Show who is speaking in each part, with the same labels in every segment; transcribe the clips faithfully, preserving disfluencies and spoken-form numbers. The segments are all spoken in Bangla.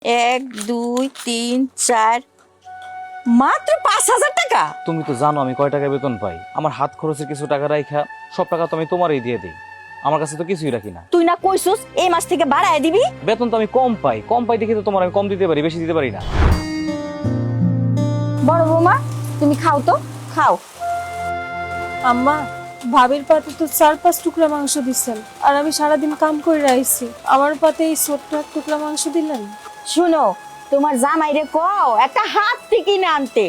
Speaker 1: এক দুই তিন চার, মাত্র পাঁচ হাজার টাকা।
Speaker 2: তুমি তো জানো আমি কয় টাকা বেতন পাই। আমার হাত খরচের কিছু টাকা রাখা সব টাকা তো আমি তোমারই দিয়ে দিই। আমার কাছে তো কিছুই রাখি না।
Speaker 1: তুই না কইছস এই মাস থেকে বাড়ায় দিবি?
Speaker 2: বেতন তো আমি কম পাই, কম পাই দেখে তো তোমার আমি কম দিতে পারি, বেশি দিতে পারি না।
Speaker 1: বড় বৌমা তুমি খাও তো, খাও।
Speaker 3: আম্মা, ভাবির পাতে তো চার পাঁচ টুকরা মাংস দিচ্ছেন, আর আমি সারাদিন কাম করে আইছি, আমার পাতে এই ছোট্ট এক টুকরা মাংস দিলেন।
Speaker 1: শুনো, তোমার জামাইরে কও একটা হাতি কিনে আনতে।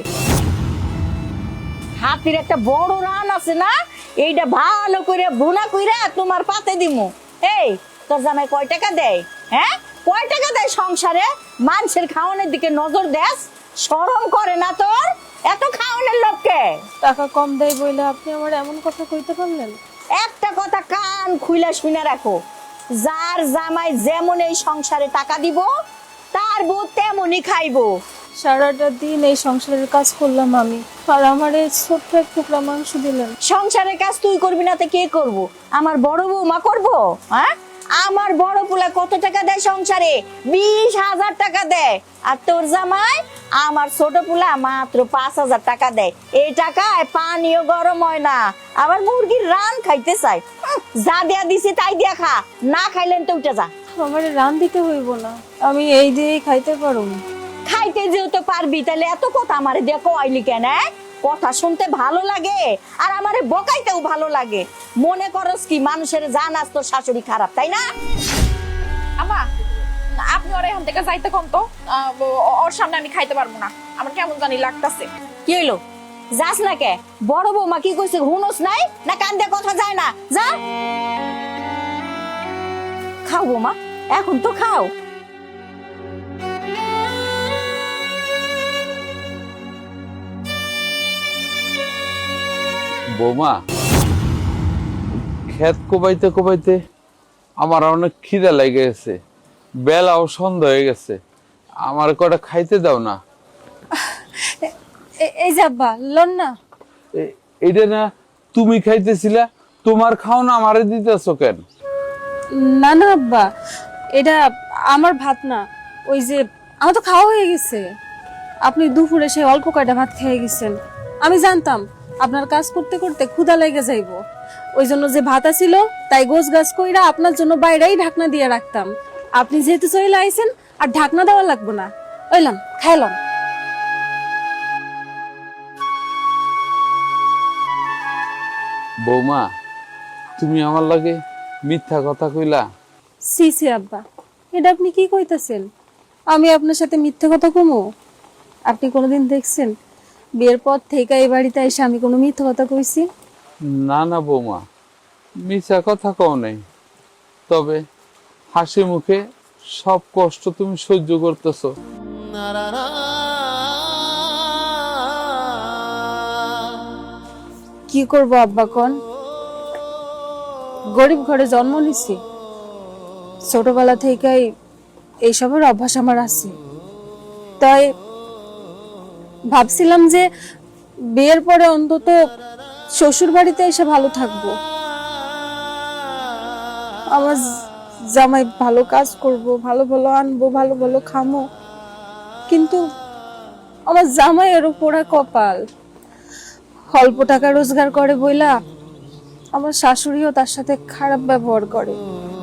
Speaker 1: হাতির একটা বড় রান আছে না, এইটা ভালো করে ভুনা কইরা তোমার পাতে দিমু। এই তোর জামাই কয় টাকা দেয়? হ্যাঁ, কয় টাকা দেয় সংসারে? মানুষের খাওয়ানোর দিকে নজর দেস, শরম করে না তোর? এত খাওয়ানোর লোককে
Speaker 3: টাকা কম দেয় বইলে আপনি আমার এমন কথা কইতে পারলেন?
Speaker 1: একটা কথা কান খুইলা শুনে রাখো, যার জামাই যেমন এই সংসারে টাকা দিব, তার বউ তেমনই খাইবো।
Speaker 3: সারাটা দিন এই সংসারের কাজ করলাম আমি, আর আমার এই ছোট্ট এক টুকরা মাংস দিলেন।
Speaker 1: সংসারের কাজ তুই করবি না তো কে করব? আমার বড় বৌমা করবো? হ্যাঁ, আমার বড় পোলা কত টাকা দেয় সংসারে? বিশ হাজার টাকা দেয়। আর তোর জামাই আমার ছোট পোলা মাত্র পাঁচ হাজার টাকা দেয়। এই টাকায় পানিও গরম হয় না, আবার মুরগির রান খাইতে চাই। উম, যা দেয়া দিছি তাই দিয়া খা, না খাইলেন তো উঠে যা।
Speaker 3: আমার রান দিতে হইব না, আমি এই দিয়েই খাইতে পারুম।
Speaker 1: খাইতে যেহেতু পারবি, তাহলে এত কথা আমারে দিয়ে কইলি কেন? হ্যাঁ? কথা শুনতে ভালো লাগে আর আমারে বকাইতেও ভালো লাগে। মনে করস কি মানুষের জানাস তোর শাশুড়ি খারাপ, তাই না?
Speaker 4: আমা, আপনি ওর এখান থেকে যাইতে কোন তো, আহ, ও- ওর সামনে আমি খাইতে পারবো না, আমার কেমন জানি লাগতাছে।
Speaker 1: কি হইলো? যাস না কে? বড় বৌমা কি কইছে হুনস নাই, না কান দিয়ে কথা যায় না? যা খাও বৌমা, এখন তো খাও।
Speaker 5: বৌমা, ক্ষেত কোবাইতে কোবাইতে আমার অনেক খিদে লেগে গেছে, বেলাও সন্ধ্যা হয়ে গেছে, আমার কটা খাইতে দাও না।
Speaker 3: এ- এই যে আব্বা লন না।
Speaker 5: এ- এইটা না তুমি খাইতেছিলা, তোমার খাও না আমারে দিতেছো কেন?
Speaker 3: না না আব্বা, এটা আমার ভাত না, ওই যে আমার তো খাওয়া হয়ে গেছে। আপনি দুপুরে সে অল্প কয়টা ভাত খেয়ে গেছেন, আমি জানতাম আপনার কাজ করতে করতে ক্ষুধা লেগে যাইব, ওই জন্য যে ভাত ছিল তাই গোছ গাছ কইরা আপনার জন্য বাইরেই ঢাকনা দিয়ে রাখতাম। আপনি যেহেতু চলে আইছেন আর ঢাকনা দেওয়া লাগবো না, ওইলাম খাইলাম।
Speaker 5: বৌমা, তুমি আমার লাগে মিথ্যা কথা কইলা।
Speaker 3: সি সি আব্বা, এটা আপনি কি কইতাছেন? আমি আপনার সাথে মিথ্যে কথা কমো? আপনি কোনোদিন দেখছেন বিয়ের পর থেকে এই বাড়িতে এসে আমি কোনো মিথ্যে কথা কইছি?
Speaker 5: না না বৌমা, মিথ্যা কথা কও নাই, তবে হাসি মুখে সব কষ্ট তুমি সহ্য করতেছো।
Speaker 3: কি করব আব্বা কোন? গরিব ঘরে জন্ম নিছি, ছোটবেলা থেকেই এইসবের অভ্যাস আমার আছে। তাই ভাবছিলাম যে বিয়ের পরে অন্তত শ্বশুর বাড়িতে এসে ভালো থাকবো, আমার জামাই ভালো কাজ করব, ভালো ভালো আনবো, ভালো ভালো খামো। কিন্তু আমার জামাইয়েরও পোড়া কপাল, অল্প টাকা রোজগার করে বইলা আমার শাশুড়িও তার সাথে খারাপ ব্যবহার করে।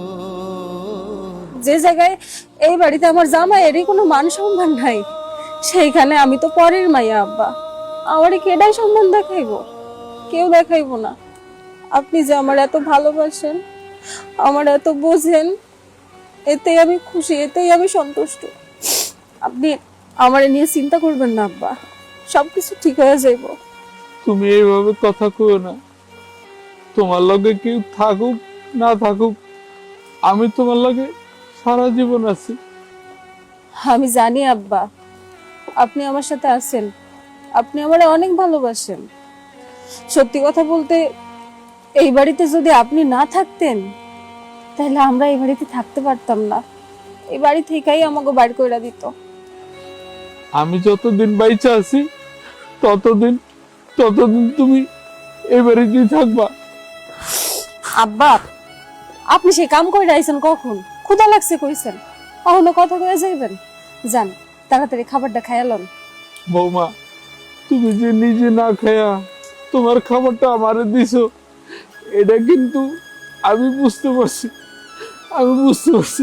Speaker 3: যে জায়গায় এই বাড়িতে আমার জামাইয়েরই কোনো মান সম্মান নাই, সেইখানে আমি তো পরের মাইয়া আব্বা, আমারে কেডাই সম্মান দেখাইবো? কেউ দেখাইবো না। আপনি যে আমার এত ভালোবাসেন, আমার এত বোঝেন, এতেই আমি খুশি, এতেই আমি সন্তুষ্ট। আপনি আমারে নিয়ে চিন্তা করবেন না আব্বা, সবকিছু ঠিক হয়ে যাইব।
Speaker 5: তুমি এইভাবে কথা কইও না, তোমার লগে কেউ থাকুক না থাকুক, আমি তোমার লগে সারা জীবন আছি।
Speaker 3: আমি জানি আব্বা, আপনি আমার সাথে আছেন, আপনি আমারে অনেক ভালোবাসেন। সত্যি কথা বলতে, এই বাড়িতে যদি আপনি না থাকতেন তাহলে আমরা এই বাড়িতে থাকতে পারতাম না, এই বাড়ি থেকেই আমাকে বাইর কইরা দিত।
Speaker 5: আমি যতদিন বাইচা আছি ততদিন ততদিন তুমি এই বাড়িতেই থাকবা।
Speaker 3: আব্বা, আপনি সে কাম করে আইছেন কখন? ক্ষুধা লাগছে কইছেন, কখনো কথা কয়ে যাইবেন? যান তাড়াতাড়ি খাবারটা খায়ালন।
Speaker 5: বৌমা, তুমি যে নিজে না খায়া তোমার খাবারটা আমারে দিছো, এটা কিন্তু আমি বুঝতে পারছি, আমি বুঝতে পারছি।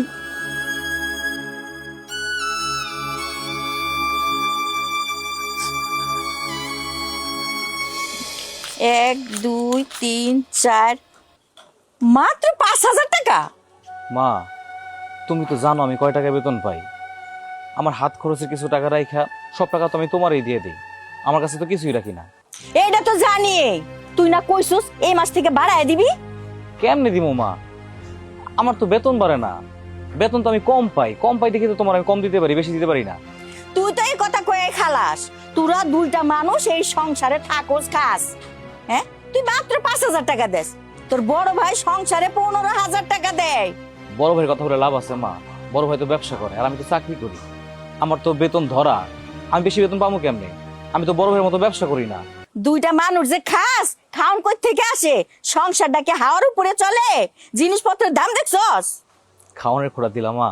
Speaker 1: এক দুই তিন চার, মাত্র পাঁচ হাজার টাকা।
Speaker 2: মা, তুমি তো জানো আমি কয় টাকা বেতন পাই। আমার হাত খরচের কিছু টাকা রাইখা সব টাকা তো আমি তোমারই দিয়ে দিই। আমার কাছে তো কিছুই রাখি না।
Speaker 1: এইটা তো জানি, তুই না কইছস এই মাস থেকে বাড়ায় দিবি।
Speaker 2: কেমনে দিমু মা? আমার তো বেতন বাড়ে না, বেতন তো আমি কম পাই। কম পাই দেখি তো তোমার আমি কম দিতে পারি, বেশি দিতে পারি না।
Speaker 1: তুই তো এই কথা কয়ে খালাস, তোরা দুইটা মানুষ এই সংসারে থাকোস খাস। হ্যাঁ, তুই মাত্র পাঁচ হাজার টাকা দেস, তোর বড় ভাই সংসারে পনেরো হাজার টাকা দেয়।
Speaker 2: বড় ভাইয়ের কথা বলে লাভ আছে মা? বড় ভাই তো ব্যবসা করে আর আমি তো চাকরি করি। আমার তো বেতন ধরা, আমি বেশি বেতন পাবো কেমনে? আমি তো বড় ভাইয়ের মতো ব্যবসা করি না।
Speaker 1: দুইটা মানুষ যে খাস, খাওন কই থেকে আসে? সংসারটাকে হাওয়ার উপরে চলে? জিনিসপত্রের দাম দেখছস?
Speaker 2: খাওয়ানোর খোটা দিলা মা?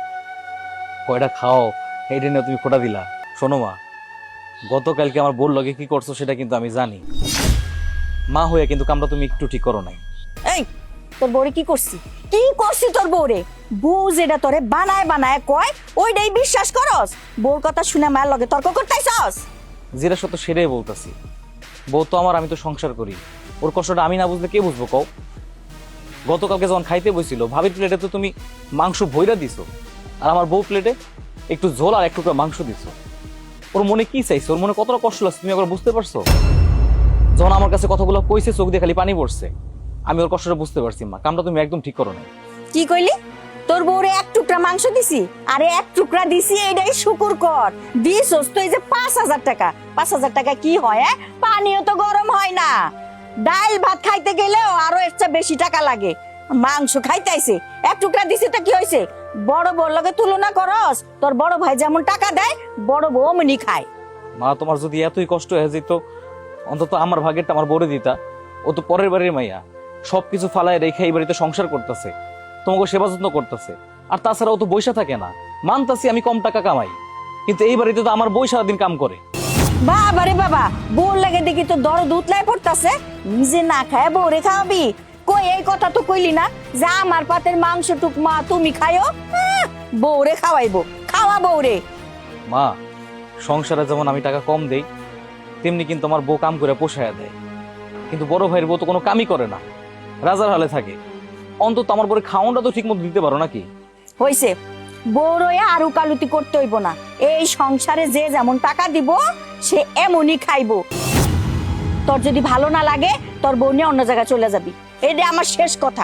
Speaker 2: কয়টা খাও এইটা নিয়ে তুমি খোটা দিলা? শোনো মা, গতকালকে আমার বোর লগে কি করছো সেটা কিন্তু আমি জানি। মা হইয়া কিন্তু কামটা তুমি একটু ঠিক করো নাই।
Speaker 1: এই, তোর বউরে কি করছি? কি করছি তোর বউরে? বউ যেটা তোরে বানায় বানায় কয় ওইটাই বিশ্বাস করস? বউর কথা শুনে মায়ের লগে তর্ক করতেছস?
Speaker 2: যেটা সত্য সেটাই বলতেছি। বউ তো আমার, আমি তো সংসার করি। ওর কষ্টটা আমি না বুঝলে কে বুঝবো কও? গতকালকে যখন খাইতে বসছিল, ভাবির প্লেটে তো তুমি মাংস ভইরা দিছো, আর আমার বউ প্লেটে একটু ঝোল আর একটু মাংস দিছো। ওর মনে কি চাইছে, ওর মনে কতটা কষ্ট লাগছে তুমি একবার বুঝতে পারছো? যখন আমার কাছে কথাগুলো কইছে চোখ দিয়ে খালি পানি পড়ছে। আমি ওর কষ্টটা বুঝতে পারছি মা, কামটা তুমি একদম ঠিক করো না।
Speaker 1: কি কইলি? তোর বউরে এক টুকরা মাংস দিছি, আরে এক টুকরা দিছি, এইটাই শুকুর কর। দিছস তো এই যে পাঁচ হাজার টাকা। পাঁচ হাজার টাকা কি হয়? হ্যাঁ, পানিও তো গরম হয় না। ডাল ভাত খাইতে গেলেও আরো এর চেয়ে বেশি টাকা লাগে। মাংস খাইতেছে, এক টুকরা দিছি তো কি হয়েছে? বড় বউর লগে তুলনা করস? তোর বড় ভাই যেমন টাকা দেয়, বড় বউ অমনি খায়।
Speaker 2: মা, তোমার যদি এতই কষ্ট হয়ে যেত অন্তত আমার ভাগেরটা আমার বড়ে দিতা। ও তো পরের বাড়ির মাইয়া, সবকিছু ফালায় রেখে এই বাড়িতে সংসার করতেছে, তোমাকে সেবা যত্ন করতেছে। আর তাছাড়া ও তো বৈশা থাকে না। মানতাছি আমি কম টাকা কামাই, কিন্তু এই বাড়িতে তো আমার বই সারাদিন কাম করে।
Speaker 1: বাবা রে বাবা, বউর লাগে দেখি তো দরদ উতলায় পড়তাছে। নিজে না খায় বউরে খাওয়াবি? কই, এই কথা তো কইলি না যে আমার পাতের মাংস টুক মা তুমি খায়ও। আহ, বউরে খাওয়াইবো, খাওয়া বউরে।
Speaker 2: মা, সংসারে যেমন আমি টাকা কম দেই, তেমনি কিন্তু আমার বউ কাম করে পোষায়া দেয়। কিন্তু বড় ভাইয়ের বউ তো কোনো কামই করে না, রাজার হালে থাকে। অন্তত আমার বউরে খাওয়ানটা তো ঠিক মতো দিতে পারো নাকি?
Speaker 1: হইছে, বউর হয়ে আর উকালুতি করতে হইব না। এই সংসারে যে যেমন টাকা দিব সে এমনই খাইবো। তোর যদি ভালো না লাগে তোর বউ নিয়ে অন্য জায়গায় চলে যাবি, এটা আমার শেষ কথা।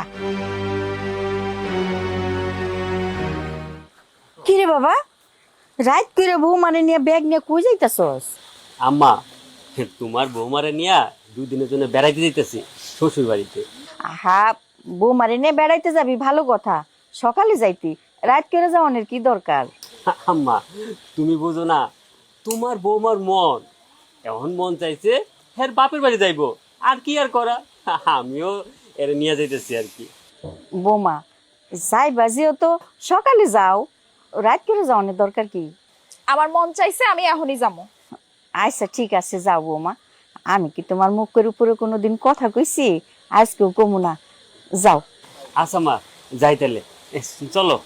Speaker 1: কি রে বাবা, রাত করে বউ মানে নিয়ে ব্যাগ নিয়ে কই যাইতাছস?
Speaker 6: আম্মা, তোমার বৌমারে নিয়া দুদিনের জন্য বেড়াইতে যেতেছি শ্বশুর বাড়িতে।
Speaker 1: আহা, বউ মানে নিয়ে বেড়াইতে যাবি ভালো কথা, সকালে যাইতি, রাত করে যাওয়ানোর কি দরকার?
Speaker 6: আম্মা, তুমি বুঝো না, তোমার বৌমার মন এমন মন চাইছে হ্যাঁ বাপের বাড়ি যাইবো, আর কি আর করা, আমিও এর নিয়ে যাইতেছি আর কি।
Speaker 1: বৌমা যাই বাজিও তো সকালে যাও, রাত করে যাওয়ানোর দরকার কি?
Speaker 4: আমার মন চাইছে আমি এখনই যাবো।
Speaker 1: আচ্ছা ঠিক আছে, যাও বৌমা। আমি কি তোমার মুখের উপরে কোনোদিন কথা কইছি? আজকেও কমু না, যাও।
Speaker 6: আচ্ছা মা, যাই তাহলে, এ, চলো।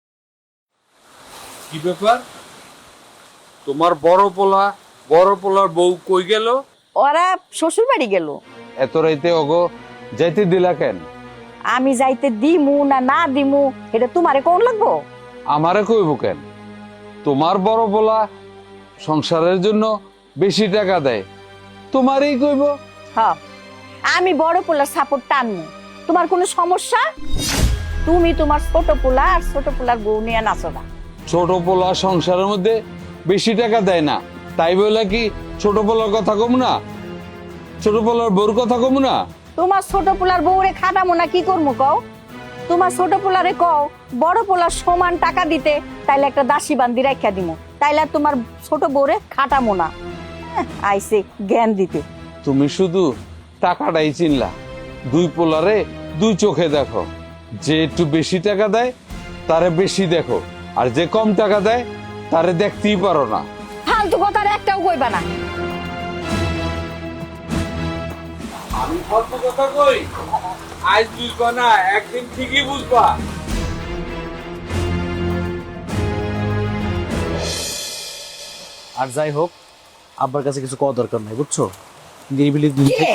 Speaker 5: কি ব্যাপার? তোমার বড় পোলা, বড় পোলার বউ কই গেল?
Speaker 1: ওরা শ্বশুর বাড়ি গেল।
Speaker 5: এত রাইতে ওগো যাইতে দিলা কেন?
Speaker 1: আমি যাইতে দিমু না না দিমু এটা তোমারে কোন লাগবো?
Speaker 5: আমারে কইব কেন? তোমার বড় পোলা সংসারের জন্য বেশি টাকা দেয়, তোমারই কইব।
Speaker 1: হ্যাঁ, আমি বড় পোলার সাপোর্ট টানমু। তোমার কোনো সমস্যা? তুমি তোমার ছোট পোলা আর ছোট পোলার বউ নিয়ে নাচো না।
Speaker 5: ছোট পোলা সংসারের মধ্যে বেশি টাকা দেয় না, তাই বলে কি ছোট পোলার কথা কম না? ছোট পোলার বউর কথা কম না?
Speaker 1: তোমার ছোট পোলার বউরে খাটামো না কি করবো কও? তোমার ছোট পোলারে কও বড় পোলার সমান টাকা দিতে, তাইলে একটা দাসী বান্দি রাখিয়া দিমু, তাইলে আর তোমার ছোট বউরে খাটামো না। হ্যাঁ, আইছে জ্ঞান দিতে।
Speaker 5: তুমি শুধু টাকাটাই চিনলা, দুই পোলারে দুই চোখে দেখো। যে একটু বেশি টাকা দেয় তারে বেশি দেখো, আর যে কম টাকা দেয় তারে দেখতেই পারো না।
Speaker 1: ফালতু কথার একটাও কইবা না।
Speaker 5: আমি ফালতু কথা কই? আজ বুঝবা না, একদিন ঠিকই বুঝবা।
Speaker 2: আর যাই হোক, আব্বার কাছে কিছু কওয়া দরকার নাই, বুঝছো? নিরিবিলি
Speaker 1: কে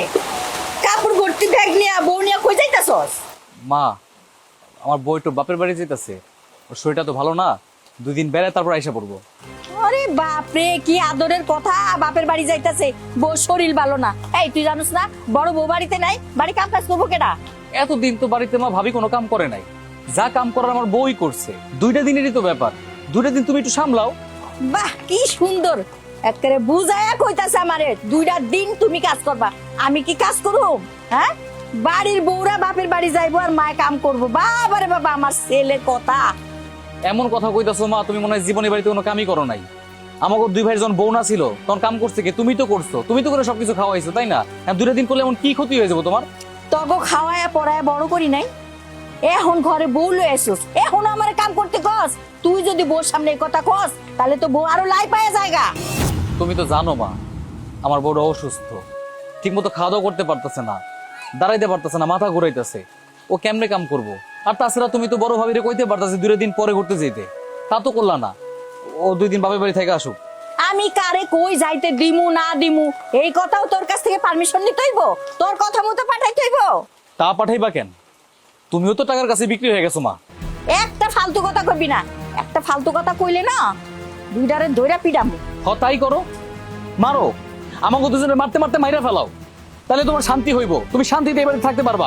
Speaker 1: কাপড় ভর্তি ব্যাগ নিয়ে বউ নিয়ে কই যাইতাছস?
Speaker 2: মা, আমার বই তো বাপের বাড়ি যেতেছে, ওর শরীরটা তো ভালো না, দুই দিন বেড়ে তারপর আইসা পড়বো।
Speaker 1: আরে বাপরে, কি আদরের কথা! বাপের বাড়ি যাইতাছে, বউ শরীর ভালো না। এই তুই জানিস না বড় বউ বাড়িতে নাই? বাড়ি কাম কাজ করবো কেডা?
Speaker 2: এতদিন তো বাড়িতে মা ভাবি কোনো কাম করে নাই, যা কাম করার আমার বই করছে। দুইটা দিনেরই তো ব্যাপার, দুইটা দিন তুমি একটু সামলাও।
Speaker 1: বাহ, কি সুন্দর! একেবারে বুঝায়া কইতাছে আমারে, দুইটা দিন তুমি কাজ করবা। আমি কি কাজ করব? হ্যাঁ, বাড়ির বউরা বাপের বাড়ি যাইবো আর মায় কাম করবো। বাবারে বাবা, আমার ছেলের কথা!
Speaker 2: এমন কথা কইতাছো মা, তুমি মনে হয় জীবনে বাড়িতে কোনো কামই করো নাই। আমাকে দুই ভাইয়ের যখন বউ না ছিল তখন কাম করছে কি? তুমি তো করছো, তুমি তো করে সবকিছু খাওয়াইছো, তাই না? দুইটা দিন করলে এমন কি ক্ষতি হয়ে যাবো তোমার?
Speaker 1: তগো খাওয়ায়া পড়ায়া বড় করি নাই, এখন ঘরে বউ লয়ে আসিস, এখন আমার কাম করতে কস। তুই যদি বউর সামনে এই কথা কস, তাহলে তো বউ আরো লাই পায়া জায়গা।
Speaker 2: তুমি তো জানো মা, আমার বড় অসুস্থ, ঠিক মতো খাওয়া দাওয়া করতে পারতেছে না, দাঁড়াইতে পারতেছে না, মাথা ঘুরাইতেছে। ও কেমনে কাম করবো? আর তাছাড়া তুমি তো বড় ভাবিরে কইতে পারতেছে দুই দিন পরে ঘুরতে যেতে, তা তো করলা না। ও দুই দিন বাপের বাড়ি থেকে আসুক।
Speaker 1: আমি কারে কই যাইতে দিমু না দিমু, এই কথাও তোর কাছ থেকে পারমিশন নিতে হইব? তোর কথা মতো পাঠাইতে হইব?
Speaker 2: তা পাঠাইবা কেন? তুমিও তো টাকার কাছে বিক্রি হয়ে গেছো মা।
Speaker 1: একটা ফালতু কথা কইবি না, একটা ফালতু কথা কইলে না দুইটারে দইরা পিডামু।
Speaker 2: হ, তাই করো, মারো, আমাকে দুজনে মারতে মারতে মাইরা ফেলাও, তাহলে তোমার শান্তি হইব, তুমি শান্তিতে এবারে থাকতে পারবা।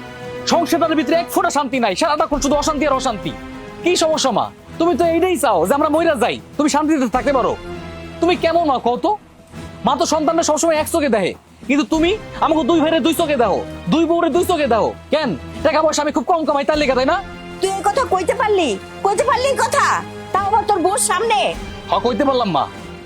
Speaker 2: সংসারের ভিতরে এক ফোঁটা শান্তি নাই, সারাটা শুধু অশান্তি আর অশান্তি। কি সমস্যা মা? তুমি তো এইটাই চাও যে আমরা মইরা যাই, তুমি শান্তিতে থাকতে পারো। তুমি কেমন মা কত? মা তো সন্তানরা সবসময় এক চোখে দেখে, কিন্তু তুমি আমাকে দুই ভাইরে দুই চোখে দেখো, দুই বউরে দুই চোখে দেখো। কেন? টাকা পয়সা আমি খুব কম কামাই তার লেগে, তাই না?
Speaker 1: তুই এই কথা কইতে পারলি? কইতে পারলি এই কথা? তাও আবার তোর বউর সামনে?
Speaker 2: হ, কইতে পারলাম মা,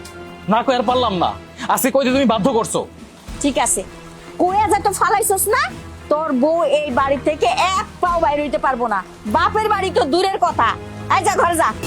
Speaker 2: না কই আর পারলাম না, আজকে কইতে তুমি বাধ্য করছো।
Speaker 1: ঠিক আছে, কইয়া যা তো ফালাইছস না, তোর বউ এই বাড়ি থেকে এক পাও বাইরে হইতে পারবো না। বাপের বাড়ি তো দূরের কথা। আয় যা, ঘরে যা।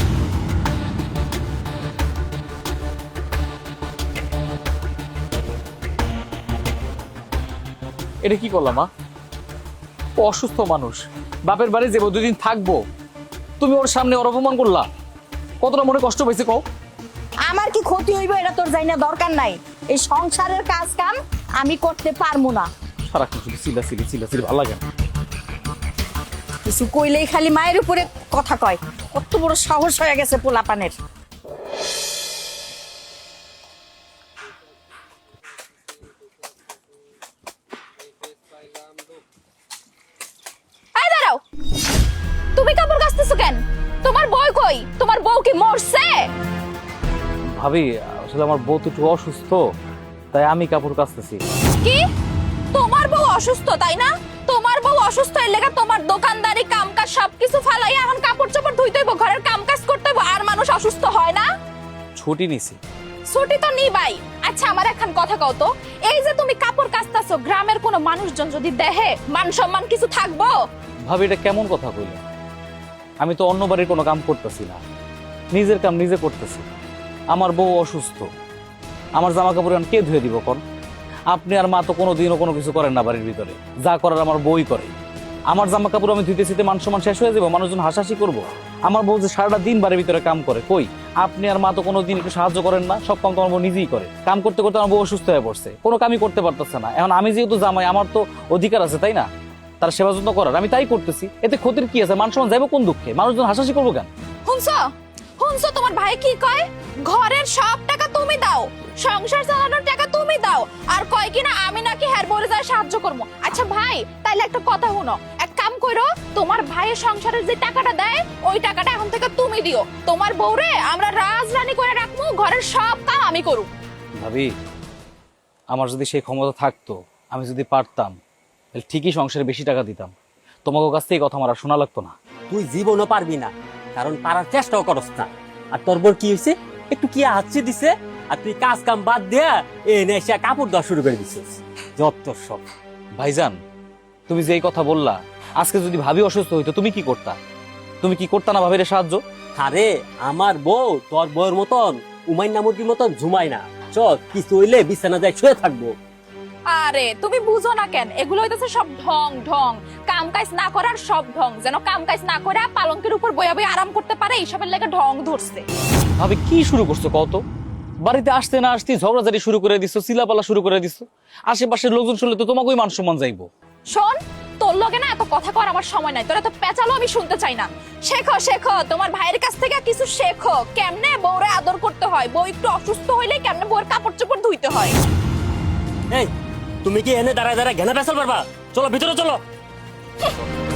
Speaker 2: এটা কি করলাম মা? ও অসুস্থ মানুষ, বাপের বাড়ি যাবো, দুদিন থাকবো, তুমি ওর সামনে ওর অপমান করলা, কতটা মনে কষ্ট পাইছে কও?
Speaker 1: আমার কি ক্ষতি হইব এটা তোর জানি না, দরকার নাই। এই সংসারের কাজ কাম আমি করতে পারবো না।
Speaker 2: সারাক্ষণ শুধু চিল্লা চিল্লি চিল্লা চিল্লি, ভালো লাগে না।
Speaker 1: কিছু কইলেই খালি মায়ের উপরে কথা কয়। কত বড় সাহস হয়ে গেছে পোলাপানের!
Speaker 4: এই দাঁড়াও, তুমি কাপড় কাচতেছো কেন? তোমার বউ কই? তোমার বউ কি মরছে?
Speaker 2: ভাবি, আসলে আমার বউ তো একটু অসুস্থ, তাই আমি কাপড় কাচতেছি।
Speaker 4: কি? তোমার বউ অসুস্থ, তাই না? তোমার বউ অসুস্থ এর লেগে তোমার দোকানদারি কামকাজ সবকিছু ফালাই এখন কাপড় চোপড় ধুইতে হইব, ঘরের কামকাজ করতে হইব, আর মানুষ অসুস্থ হয় না?
Speaker 2: ছুটি নিছি।
Speaker 4: ছুটি তো নিবাই। আচ্ছা, আমার এখন কথা কও তো, এই যে তুমি কাপড় কাচতাছো, গ্রামের কোনো মানুষজন যদি দেখে, মান সম্মান কিছু থাকবো?
Speaker 2: ভাবি, এটা কেমন কথা কইলে? আমি তো অন্য বাড়ির কোনো কাম করতেছি না, নিজের কাম নিজে করতেছি। আমার বউ অসুস্থ, আমার জামা কাপড় কে ধুয়ে দিব কোন? আপনি আর মা তো কোনোদিনও কোনো কিছু করেন না বাড়ির ভিতরে, যা করার আমার বউই করে। আমার জামা কাপড় আমি ধুইতে ধুইতে মান সম্মান শেষ হয়ে যাবো, মানুষজন হাসাহাসি করবো। আমার বউ যে সারাটা দিন বাড়ির ভিতরে কাম করে, কই আপনি আর মা তো কোনোদিন একটু সাহায্য করেন না, সব কাম তো আমার বউ নিজেই করে। কাম করতে করতে আমার বউ অসুস্থ হয়ে পড়ছে, কোনো কামই করতে পারতেছে না। এখন আমি যেহেতু জামাই, আমার তো অধিকার আছে, তাই না, তার সেবা যত্ন করার, আমি তাই করতেছি। এতে ক্ষতির কি আছে? মান সম্মান যাইবো কোন দুঃখে? মানুষজন হাসাহাসি করবো কেন?
Speaker 4: শুনছো শুনছো তোমার ভাই কি কয়? ঘরের সব টাকা তুমি দাও, সংসার চালানোর টাকা তুমি দাও, আর কয় কিনা আমি নাকি হের বলে যায় সাহায্য করবো। আচ্ছা ভাই, তাইলে একটা কথা শুনো, এক কাম করো, তোমার ভাইয়ের সংসারের যে টাকাটা দেয় ওই টাকাটা এখন থেকে তুমি দিও। তোমার বউরে আমরা রাজরানী করে রাখবো, ঘরের সব কাম আমি করু।
Speaker 2: ভাবি, আমার যদি সেই ক্ষমতা থাকতো, আমি যদি পারতাম, তাহলে ঠিকই সংসারে বেশি টাকা দিতাম, তোমাকে কাছ থেকে কথা আমার আর শোনা লাগতো না।
Speaker 6: তুই জীবনও পারবি না, কারণ পারার চেষ্টাও করস না। আর তোর বোর কি হয়েছে? একটু কি হাঁচি দিছে, আর তুই কাজ কাম বাদ দেয়া এ নেশা কাপড় দেওয়া শুরু করে দিছিস। যত সব।
Speaker 2: ভাইজান, তুমি যে এই কথা বললা, আজকে যদি ভাবি অসুস্থ হইতো তুমি কি করতা? তুমি কি করতা না ভাবিরে সাহায্য?
Speaker 6: আরে আমার বউ তোর বউয়ের মতন উমাইন্না মুরগির মতন ঝুমায় না। চল কিছু হইলে বিছানা যায় শুয়ে থাকবো।
Speaker 4: আরে তুমি বুঝো না কেন, এগুলো হইতেছে সব ঢং ঢং, কাম কাজ না করার সব ঢং, যেন কাম কাজ না করে পালঙ্কের উপর বইয়া বইয়া আরাম করতে পারে, এইসবের লেগে ঢং ধরছে।
Speaker 2: ভাবি কি শুরু করছো কত? বাড়িতে আসতে না আসতে ঝগড়াঝাড়ি শুরু করে দিছো, চিলাপালা শুরু করে দিছো। আশেপাশের লোকজন শুনলে তো তোমাকেই মান সম্মান যাইবো।
Speaker 4: শোন, তোর লগে না এত কথা কর আমার সময় নাই, তোরা তো পেঁচালো আমি শুনতে চাই না। শেখো শেখো, তোমার ভাইয়ের কাছ থেকে কিছু শেখো, কেমনে বউরে আদর করতে হয়, বউ একটু অসুস্থ হইলে কেমনে বউর কাপড় চোপড় ধুইতে হয়।
Speaker 6: এই তুমি কি এনে দাঁড়ায় দাঁড়ায় ঘেনা পেছাল পারবা? চলো ভিতরে চলো।